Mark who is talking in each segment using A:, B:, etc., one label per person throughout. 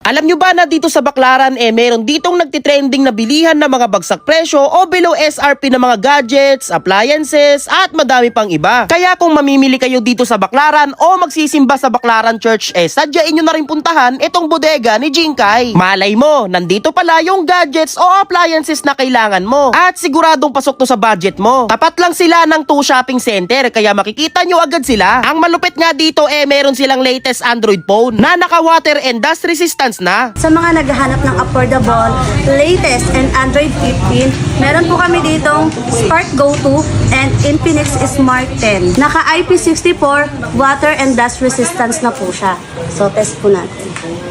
A: Alam nyo ba na dito sa Baclaran meron ditong nagtitrending na bilihan na mga bagsak presyo o below SRP na mga gadgets, appliances at madami pang iba. Kaya kung mamimili kayo dito sa Baclaran o magsisimba sa Baclaran Church sadyain nyo na rin puntahan itong bodega ni Jinkai. Malay mo, nandito pala yung gadgets o appliances na kailangan mo at siguradong pasok to sa budget mo. Tapat lang sila ng 2 shopping center kaya makikita nyo agad sila. Ang malupit nga dito meron silang latest Android phone na naka water and dust resistant na.
B: Sa mga naghahanap ng affordable, latest and Android 15, meron po kami ditong Spark Go 2 and Infinix Smart 10. Naka IP64 water and dust resistance na po siya. So test po natin.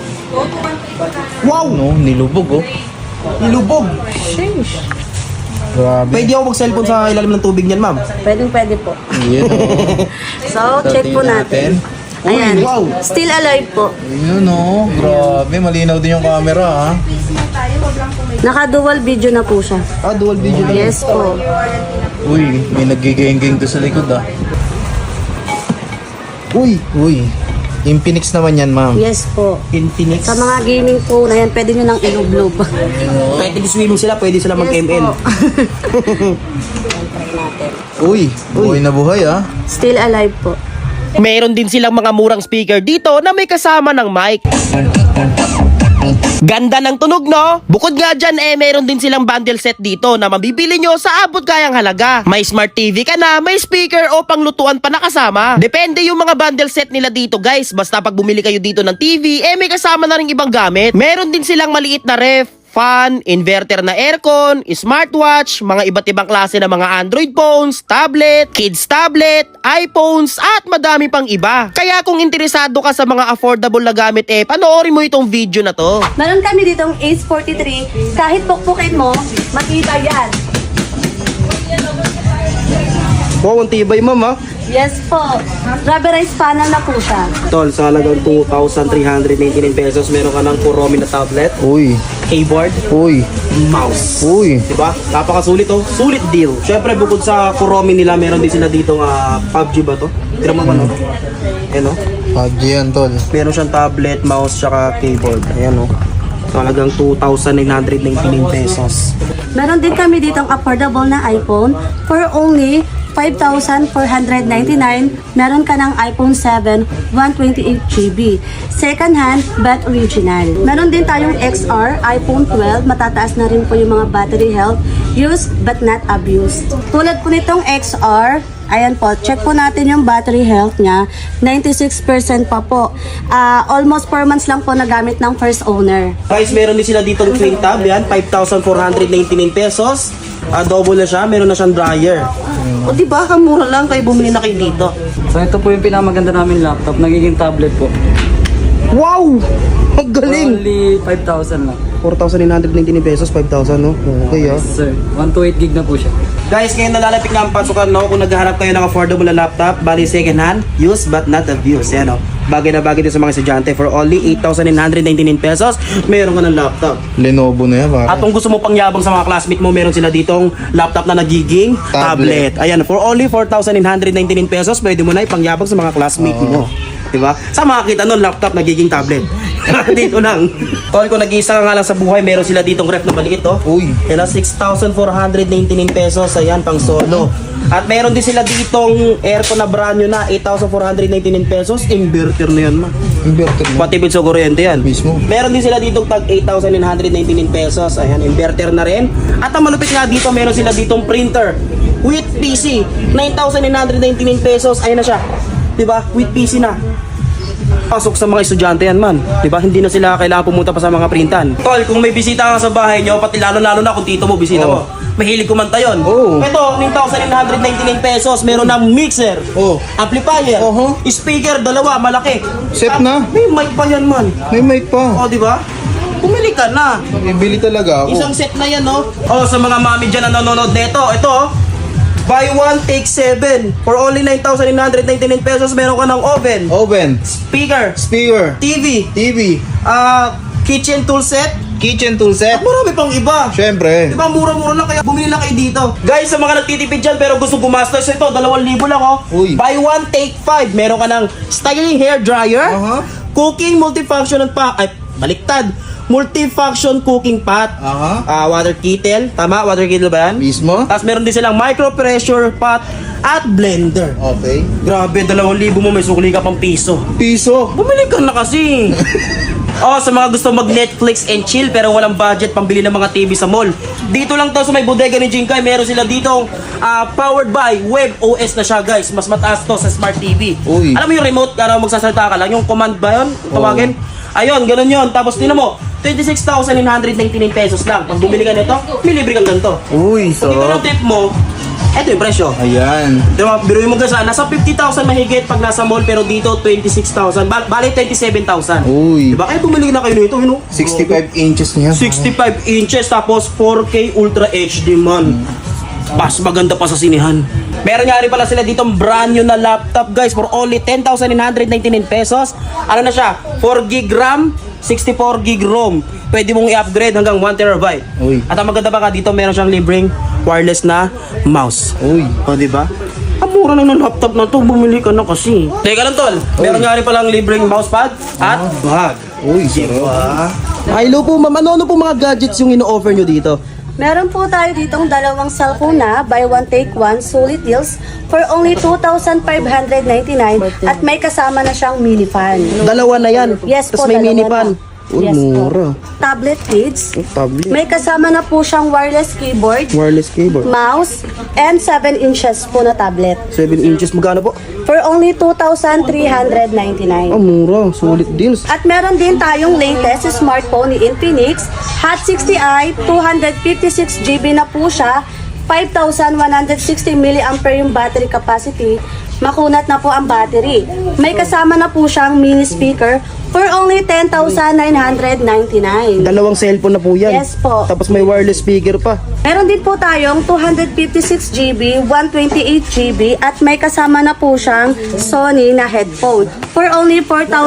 A: Wow!
C: No, nilubog oh.
A: Nilubog!
C: Grabe.
A: Pwede ako mag-cellphone sa ilalim ng tubig niyan, ma'am.
B: Pwede po.
C: Yan oh.
B: So check po natin. Ayan.
A: wow.
B: Still alive po.
C: Yun oh. Grabe, malinaw din yung camera ha.
B: Naka dual video na po siya.
A: Dual video na.
B: Yes po.
C: Uy, may nagiging-ging doon sa likod ah.
A: Uy!
C: Uy, Infinix naman yan ma'am.
B: Yes po.
A: Infinix.
B: Sa mga gaming phone, ayan, pwede nyo nang ilublob.
A: Pwede swimming sila, pwede sila mag-ML.
C: Uy, buhay na buhay ah.
B: Still alive po.
A: Meron din silang mga murang speaker dito na may kasama ng mic. Ganda ng tunog, no? Bukod nga dyan, meron din silang bundle set dito na mabibili nyo sa abot kayang halaga. May smart TV ka na, may speaker o panglutuan pa na kasama. Depende yung mga bundle set nila dito, guys. Basta pag bumili kayo dito ng TV, may kasama na rin ibang gamit. Meron din silang maliit na ref, fan, inverter na aircon, smartwatch, mga iba't ibang klase ng mga Android phones, tablet, kids tablet, iPhones, at madami pang iba. Kaya kung interesado ka sa mga affordable na gamit panoorin mo itong video na to.
B: Meron kami ditong Ace 43. Kahit pukpukin mo, makita yan.
A: Wow, ang tibay, ma'am, ha?
B: Yes po. Rubberized panel na po siya.
A: Tol, sa halagang 2,399 pesos, meron ka ng Kuromi na tablet,
C: Uy,
A: keyboard,
C: uy,
A: mouse.
C: uy.
A: Diba? Napakasulit oh. Sulit deal. Syempre bukod sa Kuromi nila, meron din sila dito PUBG ba to? Tira mo ba no? Ayan oh.
C: PUBG yan tol.
A: Meron siyang tablet, mouse, tsaka keyboard. Ayan oh. So halagang 2,999 pesos.
B: Meron din kami ditong affordable na iPhone for only 5,499. Meron ka ng iPhone 7 128GB. Second hand but original. Meron din tayong XR iPhone 12. Matataas na rin po yung mga battery health. Used but not abused. Tulad po nitong XR, ayan po, check po natin yung battery health niya. 96% pa po. Almost 4 months lang po nagamit ng first owner.
A: Guys, meron din sila dito twin tab. Yan, 5,499 pesos. Double na siya. Meron na siyang dryer. O diba, kamura lang kayo bumili na kayo dito.
D: So ito po yung pinakamaganda namin laptop, nagiging tablet po.
A: Wow! Ang galing!
D: Only 5,000 lang.
A: 4,999 pesos, 5,000 no? Okay ah.
D: Yes, sir. 128 gig na po siya.
A: Guys, ngayon nalalapit nga ang pasukan, no? Kung naghahanap kayo ng affordable na laptop, bali second hand, used but not abused. Yan, no? Bagay na bagay din sa mga estudyante. For only 8,999 pesos, meron ka ng laptop.
C: Lenovo na yan
A: At
C: pare.
A: kung gusto mo pangyabang sa mga classmate mo, meron sila ditong laptop na nagiging tablet. Ayan, for only 4,999 pesos, pwede mo na ipangyabang sa mga classmate mo. Diba? Sa makakita nun, laptop nagiging tablet. Dito lang. Tol, kung nag-iisa ka nga lang sa buhay, meron sila ditong ref na maliit, oh.
C: Uy.
A: Kaya 6,499 pesos, ayan, pang solo. At meron din sila ditong aircon na brand new na 8,499 pesos. Inverter na yan, ma.
C: Inverter mo.
A: Pati sa kuryente yan.
C: Mismo.
A: Meron din sila ditong tag 8,999 pesos. Ayan, inverter na rin. At ang malupit nga dito, meron sila ditong printer with PC. 9,999 pesos. Ayan na siya. Diba? With PC na. Pasok sa mga estudyante yan, man. Diba? Hindi na sila kailangan pumunta pa sa mga printan. Tol, kung may bisita ka sa bahay nyo, pati lalo-lalo na kung tito mo, bisita mo. Mahilig kumanta yun.
C: Oo.
A: Ito, 9,999 pesos. Meron ng mixer, amplifier, speaker, dalawa, malaki.
C: Set na.
A: May mic pa yan, man.
C: May mic pa.
A: O, diba? Bumili ka na.
C: Ibili talaga ako.
A: Isang set na yan, no? O, sa mga mami dyan na nanonood neto, ito, buy one, take 7. For only 9,999 pesos, meron ka ng oven,
C: Oven.
A: speaker,
C: Speaker.
A: TV,
C: TV.
A: kitchen tool set,
C: Kitchen tool set.
A: at marami pang iba.
C: Siyempre.
A: Diba, mura-mura lang, kaya bumili lang kayo dito. Guys, sa mga nagtitipid dyan pero gusto gumastos, ito, 2,000 lang, oh.
C: Uy.
A: Buy one, take 5. Meron ka ng styling hair dryer, cooking, multifunction, baliktad. Multifunction cooking pot.
C: Aha.
A: Water kettle. Tama? Water kettle ba yan?
C: Mismo?
A: Tapos meron din silang micro pressure pot at blender.
C: Okay.
A: Grabe, 2,000 mo, may sukli ka pang piso.
C: Piso.
A: Bumili ka na kasi. Sa mga gusto mag-Netflix and chill pero walang budget pambili ng mga TV sa mall. Dito lang to sa may bodega ni Jinkai. Meron sila ditong powered by Web OS na siya, guys. Mas mataas to sa Smart TV.
C: Uy.
A: Alam mo yung remote, magsasalita ka lang. Yung command ba yun? Tawagin? Ayun, ganun yun. Tapos tinan mo, 26,999 pesos lang. Pag bumili ka nito, may libre kang ganito.
C: Uy,
A: Kung ito yung tip mo, eto yung presyo.
C: Ayan.
A: Diba, biruin mo guys, nasa 50,000 mahigit pag nasa mall, pero dito 26,000. Bali 27,000.
C: Uy.
A: Diba? Kaya bumili na kayo nito,
C: 65 inches niya.
A: 65 inches tapos 4K Ultra HD man. Mas maganda pa sa sinihan. Meron nga rin pala sila dito brand new na laptop, guys, for only 10,999 pesos. Ano na siya? 4 gig RAM, 64 gig ROM. Pwede mong i-upgrade hanggang 1 terabyte.
C: Uy.
A: At ang maganda pa ka dito, meron siyang libreng wireless na mouse.
C: Uy.
A: O, diba? Ang mura lang ng laptop na to, bumili ka na kasi. Teka lang, tol. Meron nga rin palang libreng mousepad at bag.
C: Uy, sarap.
A: Hello po, ma'am. Ano po mga gadgets yung ino-offer nyo dito?
B: Meron po tayo ditong dalawang cellphone na buy one take one solid deals for only 2,599 at may kasama na siyang mini fan.
A: Dalawa na yan.
B: Yes
A: Tapos
B: po,
A: may
B: dalawa
A: mini
B: na.
A: pan. Uy,
B: Yes po.
A: mura.
B: Tablet kids.
A: Tablet.
B: May kasama na po siyang wireless keyboard,
A: Wireless keyboard.
B: mouse, and 7 inches po na tablet.
A: 7 inches. Magkano po?
B: For only 2,399.
A: Mura. Solid deals.
B: At meron din tayong latest smartphone ni Infinix, Hot 60i, 256GB na po siya, 5,160 mAh yung battery capacity. Makunat na po ang battery. May kasama na po siyang mini speaker for only 10,999.
A: Dalawang cellphone na po yan.
B: Yes po.
A: Tapos may wireless speaker pa.
B: Meron din po tayong 256GB, 128GB at may kasama na po siyang Sony na headphone for only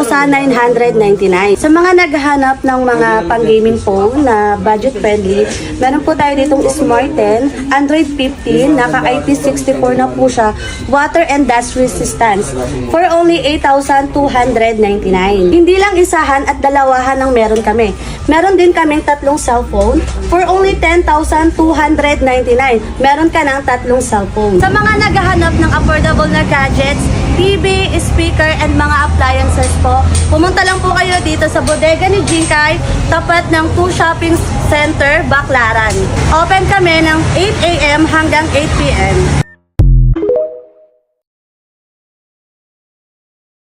B: 4,999. Sa mga naghahanap ng mga pang-gaming phone na budget friendly, meron po tayo ditong Smart 10, Android 15, naka IP64 na po siya, water and dust resistance for only 8,299. Hindi lang isahan at dalawahan ang meron kami. Meron din kaming tatlong cellphone for only 10,299. Meron ka ng tatlong cellphone. Sa mga naghahanap ng affordable na gadgets, TV, speaker, and mga appliances po, pumunta lang po kayo dito sa bodega ni Jinkai, tapat ng 2 Shopping Center, Baclaran. Open kami ng 8 a.m. hanggang 8 p.m.